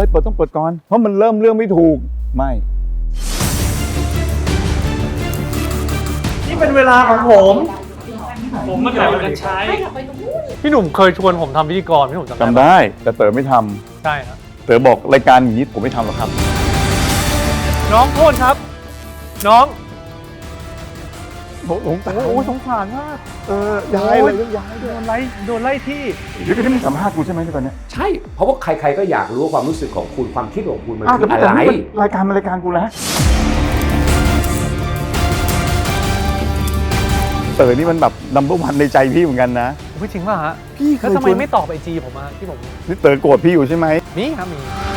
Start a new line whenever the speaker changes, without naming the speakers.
เลยเปิดต้องเปิดก่อนเพราะมันเริ่มเรื่องไม่ถูกไม่
นี่เป็นเวลาของผม ผมมาถ่ายกันใช้
พี่หนุ่มเคยชวนผมทำพิธีกรพี่หนุ่มจำ
จำ
ได้ปะ
ได้แต่เต๋อไม่ทำ
ใช่ครับ
เต๋อบอกรายการอย่างนี้ผมไม่ทำหรอกครับ
น้องโทษครับ น้อง
ผมตาย
โอ้สงสารมาก
ย้ายเลยย้าย
โดนไล่ที่
เดี๋ยวก็ที่มึงสัมภาษณ์กูใช่ไหมที่ตอนเนี้ย
ใช่ เพราะว่าใครๆก็อยากรู้ว่าความรู้สึกของคุณความคิดของคุณมัน
อ้าว
คือ
แต่
อะไร
รายการมันรายการกูแล้วเต๋อนี่มันแบบนัมเบอร์วันในใจพี่เหมือนกันนะ
ไม่จริงป่ะฮะ
พี่เคย
แล้วทำไม
ชวน
ไม่ตอบไอจีผมอะที่ผม
นี่เต๋อโกรธพี่อยู่ใช่ไหม
มีครับมี